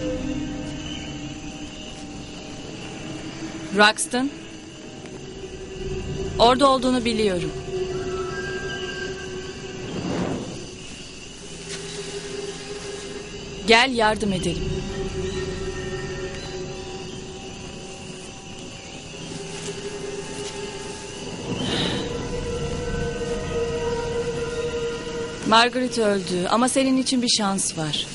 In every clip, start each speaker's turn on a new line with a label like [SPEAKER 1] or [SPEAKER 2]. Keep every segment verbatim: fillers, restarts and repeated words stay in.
[SPEAKER 1] Roxton. Orada olduğunu biliyorum. Gel yardım edelim. Margaret öldü ama senin için bir şans var.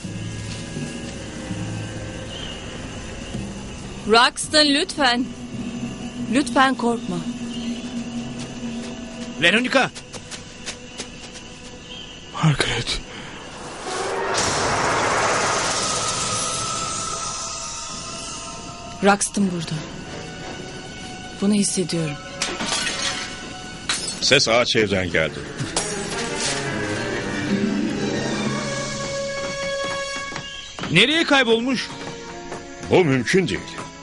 [SPEAKER 1] Roxton lütfen. Lütfen korkma.
[SPEAKER 2] Veronica.
[SPEAKER 3] Margaret.
[SPEAKER 1] Roxton burada. Bunu hissediyorum.
[SPEAKER 4] Ses ağaç evden geldi.
[SPEAKER 2] Nereye kaybolmuş?
[SPEAKER 4] Bu mümkün değil.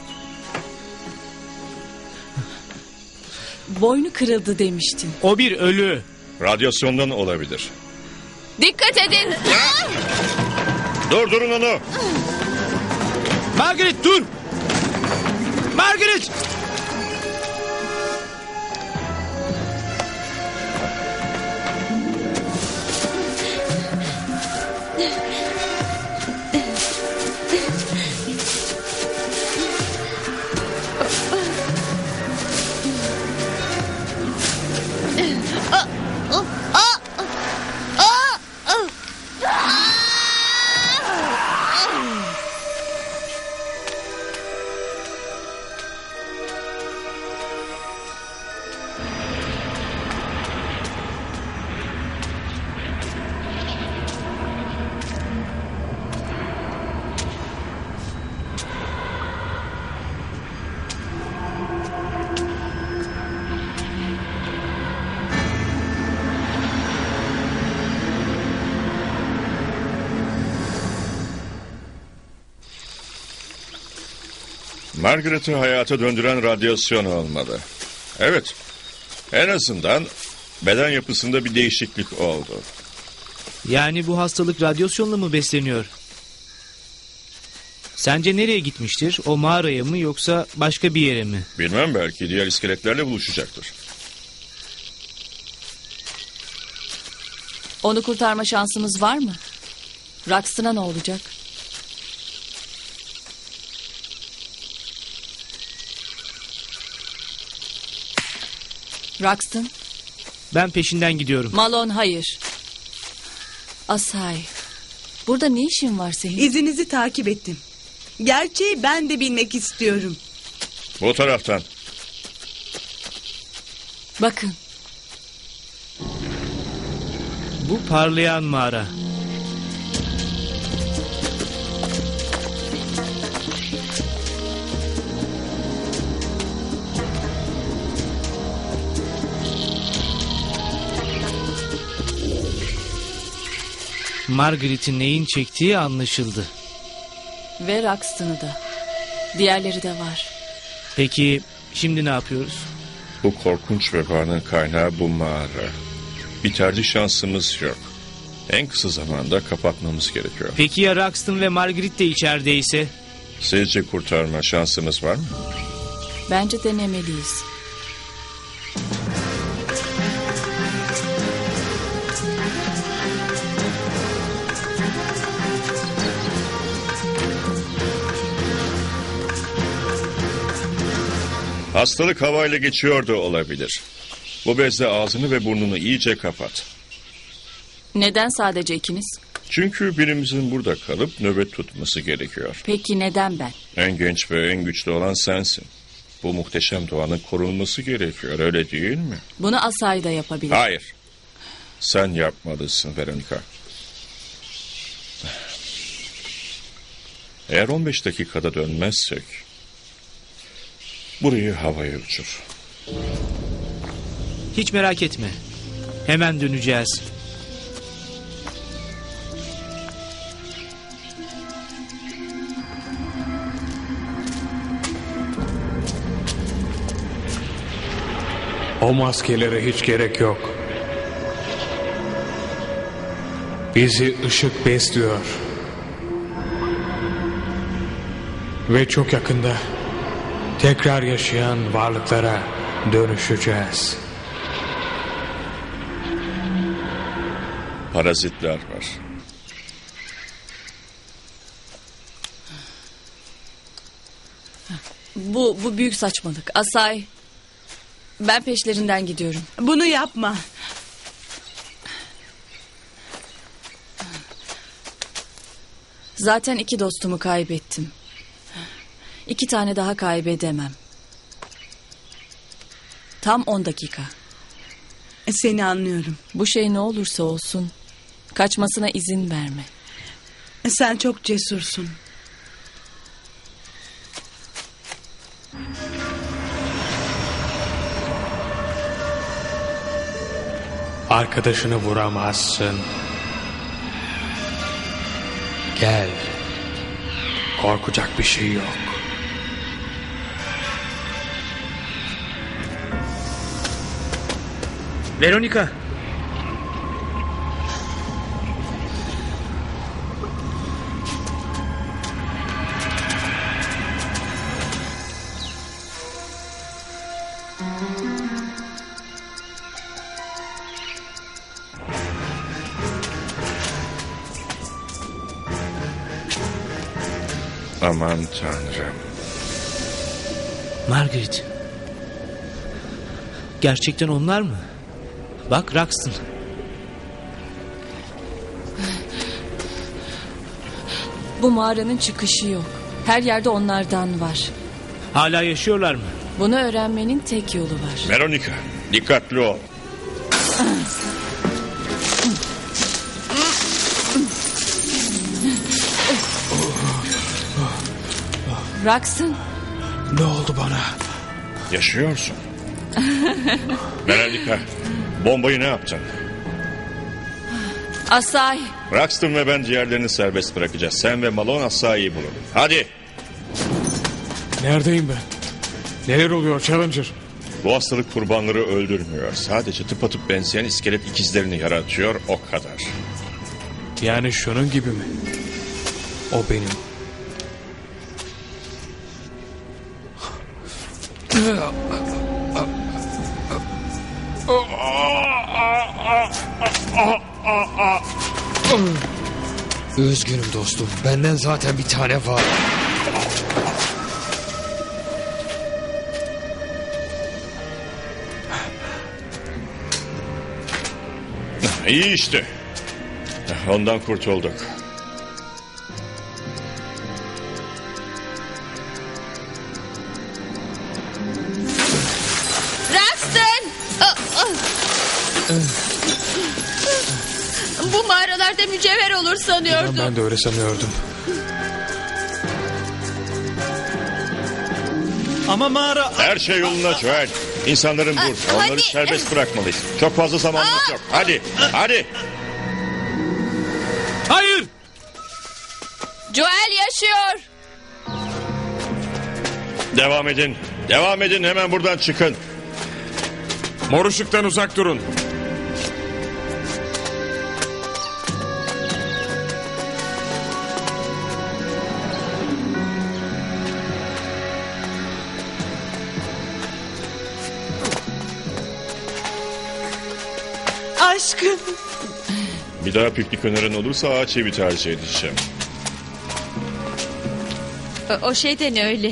[SPEAKER 1] Boynu kırıldı demiştin.
[SPEAKER 2] O bir ölü.
[SPEAKER 4] Radyasyondan olabilir.
[SPEAKER 1] Dikkat edin.
[SPEAKER 4] Durdurun onu.
[SPEAKER 2] Margaret dur. Margaret.
[SPEAKER 4] Margaret'ı hayata döndüren radyasyon olmalı. Evet. En azından beden yapısında bir değişiklik oldu.
[SPEAKER 2] Yani bu hastalık radyasyonla mı besleniyor? Sence nereye gitmiştir? O mağaraya mı yoksa başka bir yere mi?
[SPEAKER 4] Bilmem, belki diğer iskeletlerle buluşacaktır.
[SPEAKER 1] Onu kurtarma şansımız var mı? Roxton'a ne olacak? Roxton.
[SPEAKER 2] Ben peşinden gidiyorum.
[SPEAKER 1] Malone hayır. Asay. Burada ne işin var senin?
[SPEAKER 5] İzinizi takip ettim. Gerçeği ben de bilmek istiyorum.
[SPEAKER 4] Bu taraftan.
[SPEAKER 1] Bakın.
[SPEAKER 2] Bu parlayan mağara. Margaret'in neyin çektiği anlaşıldı.
[SPEAKER 1] Ve Roxton'u da. Diğerleri de var.
[SPEAKER 2] Peki şimdi ne yapıyoruz?
[SPEAKER 4] Bu korkunç vebanın kaynağı bu mağara. Bir tercih şansımız yok. En kısa zamanda kapatmamız gerekiyor.
[SPEAKER 2] Peki ya Roxton ve Margaret de içerideyse?
[SPEAKER 4] Sizce kurtarma şansımız var mı?
[SPEAKER 1] Bence denemeliyiz.
[SPEAKER 4] Hastalık havayla geçiyor da olabilir. Bu bezle ağzını ve burnunu iyice kapat.
[SPEAKER 1] Neden sadece ikiniz?
[SPEAKER 4] Çünkü birimizin burada kalıp nöbet tutması gerekiyor.
[SPEAKER 1] Peki neden ben?
[SPEAKER 4] En genç ve en güçlü olan sensin. Bu muhteşem doğanın korunması gerekiyor, öyle değil mi?
[SPEAKER 1] Bunu Asay da yapabilir.
[SPEAKER 4] Hayır. Sen yapmalısın Veronica. Eğer on beş dakikada dönmezsek burayı havaya uçur.
[SPEAKER 2] Hiç merak etme. Hemen döneceğiz.
[SPEAKER 3] O maskelere hiç gerek yok. Bizi ışık besliyor. Ve çok yakında tekrar yaşayan varlıklara dönüşeceğiz.
[SPEAKER 4] Parazitler var.
[SPEAKER 1] Bu, bu büyük saçmalık. Asay, ben peşlerinden gidiyorum.
[SPEAKER 5] Bunu yapma.
[SPEAKER 1] Zaten iki dostumu kaybettim. İki tane daha kaybedemem. Tam on dakika.
[SPEAKER 5] Seni anlıyorum.
[SPEAKER 1] Bu şey ne olursa olsun kaçmasına izin verme.
[SPEAKER 5] Sen çok cesursun.
[SPEAKER 3] Arkadaşını vuramazsın. Gel. Korkacak bir şey yok.
[SPEAKER 2] Veronica.
[SPEAKER 4] Aman tanrım.
[SPEAKER 2] Margaret. Gerçekten onlar mı? Bak Roxton.
[SPEAKER 1] Bu mağaranın çıkışı yok. Her yerde onlardan var.
[SPEAKER 2] Hala yaşıyorlar mı?
[SPEAKER 1] Bunu öğrenmenin tek yolu var.
[SPEAKER 4] Veronica, dikkatli ol.
[SPEAKER 1] Roxton.
[SPEAKER 3] Ne oldu bana?
[SPEAKER 4] Yaşıyorsun. Veronica, bombayı ne yaptın?
[SPEAKER 1] Asay.
[SPEAKER 4] Roxton ve ben diğerlerini serbest bırakacağız. Sen ve Malone Asay'ı bulun. Hadi.
[SPEAKER 3] Neredeyim ben? Neler oluyor Challenger?
[SPEAKER 4] Bu hastalık kurbanları öldürmüyor. Sadece tıpatıp benzeyen iskelet ikizlerini yaratıyor, o kadar.
[SPEAKER 3] Yani şunun gibi mi? O benim.
[SPEAKER 6] Üzgünüm dostum. Benden zaten bir tane var.
[SPEAKER 4] İyi işte. Ondan kurtulduk.
[SPEAKER 1] Roxton! Bu mağaralarda mücevher olur sanıyordum.
[SPEAKER 3] Ben de öyle sanıyordum.
[SPEAKER 2] Ama mağara...
[SPEAKER 4] Her şey yoluna Joel. İnsanların dur. Onları
[SPEAKER 1] hadi.
[SPEAKER 4] serbest bırakmalıyız. Çok fazla zamanımız yok. Hadi, hadi.
[SPEAKER 2] Hayır!
[SPEAKER 1] Joel yaşıyor.
[SPEAKER 4] Devam edin. Devam edin. Hemen buradan çıkın.
[SPEAKER 3] Mor ışıktan uzak durun.
[SPEAKER 5] Aşkım.
[SPEAKER 4] Bir daha piknik önerin olursa ağaç evi tercih edeceğim.
[SPEAKER 1] O, o şeyden öyle.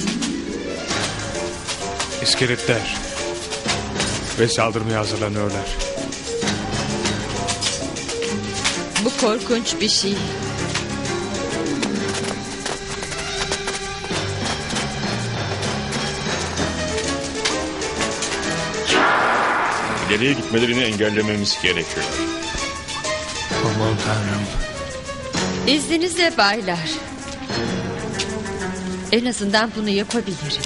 [SPEAKER 3] İskeletler. Ve saldırmaya hazırlanıyorlar.
[SPEAKER 1] Bu korkunç bir şey.
[SPEAKER 4] İleriye gitmelerini engellememiz gerekiyor.
[SPEAKER 3] Aman tanrım.
[SPEAKER 7] İzninizle baylar. En azından bunu yapabilirim.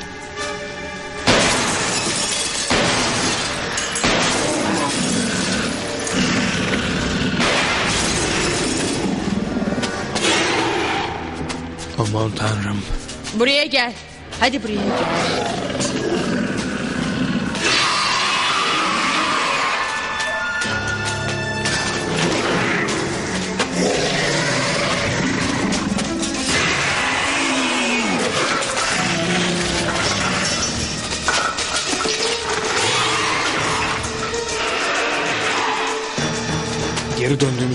[SPEAKER 3] Aman tanrım.
[SPEAKER 7] Buraya gel. Hadi buraya gel.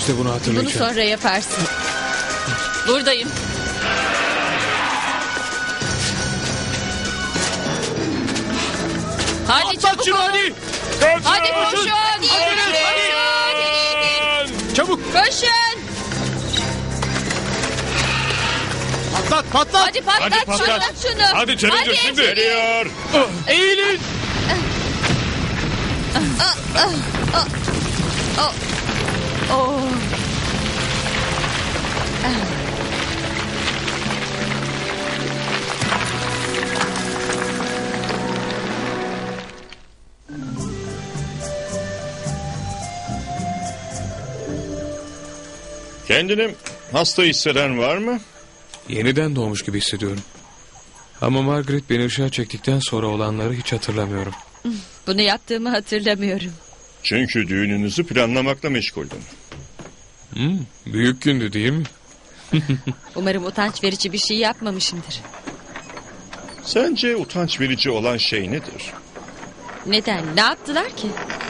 [SPEAKER 3] döndüğümüzde bunu
[SPEAKER 7] Bunu
[SPEAKER 3] hatırlayacağım.
[SPEAKER 7] sonra yaparsın.
[SPEAKER 1] Buradayım. Hadi çabuk olun.
[SPEAKER 3] hadi.
[SPEAKER 1] Hadi koşun.
[SPEAKER 7] Hadi,
[SPEAKER 3] Çabuk.
[SPEAKER 7] Koşun.
[SPEAKER 2] Patlat patlat.
[SPEAKER 1] Hadi patlat,
[SPEAKER 3] Hadi patlat.
[SPEAKER 1] patlat şunu.
[SPEAKER 3] Hadi Challenger
[SPEAKER 1] Hadi.
[SPEAKER 3] şimdi.
[SPEAKER 4] Geliyor.
[SPEAKER 3] Eğilin.
[SPEAKER 1] Oh.
[SPEAKER 4] Kendini hasta hisseden var mı?
[SPEAKER 3] Yeniden doğmuş gibi hissediyorum. Ama Margaret beni ışığa çektikten sonra olanları hiç hatırlamıyorum.
[SPEAKER 7] Bunu yaptığımı hatırlamıyorum.
[SPEAKER 4] Çünkü düğününüzü planlamakla meşguldüm.
[SPEAKER 3] Hmm, büyük gündü değil mi?
[SPEAKER 7] Umarım utanç verici bir şey yapmamışımdır.
[SPEAKER 4] Sence utanç verici olan şey nedir?
[SPEAKER 7] Neden? Ne yaptılar ki?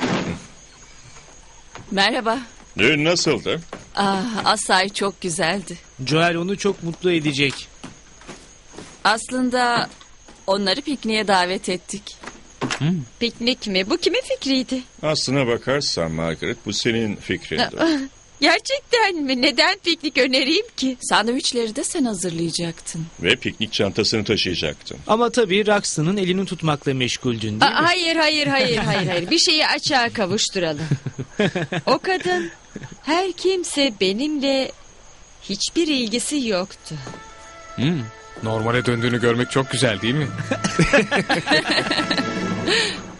[SPEAKER 1] Merhaba.
[SPEAKER 4] Düğün nasıldı?
[SPEAKER 1] Ah, Asay çok güzeldi.
[SPEAKER 2] Joel onu çok mutlu edecek.
[SPEAKER 1] Aslında onları pikniğe davet ettik.
[SPEAKER 7] Piknik mi? Bu kimin fikriydi?
[SPEAKER 4] Aslına bakarsan Margaret bu senin fikrindi.
[SPEAKER 7] Gerçekten mi? Neden piknik önereyim ki?
[SPEAKER 1] Sandviçleri de sen hazırlayacaktın.
[SPEAKER 4] Ve piknik çantasını taşıyacaktın.
[SPEAKER 2] Ama tabii Roxton'ın elini tutmakla meşguldün değil mi?
[SPEAKER 7] Aa, hayır hayır hayır hayır hayır. Bir şeyi açığa kavuşturalım. O kadın her kimse benimle hiçbir ilgisi yoktu.
[SPEAKER 3] Hmm, normale döndüğünü görmek çok güzel değil mi?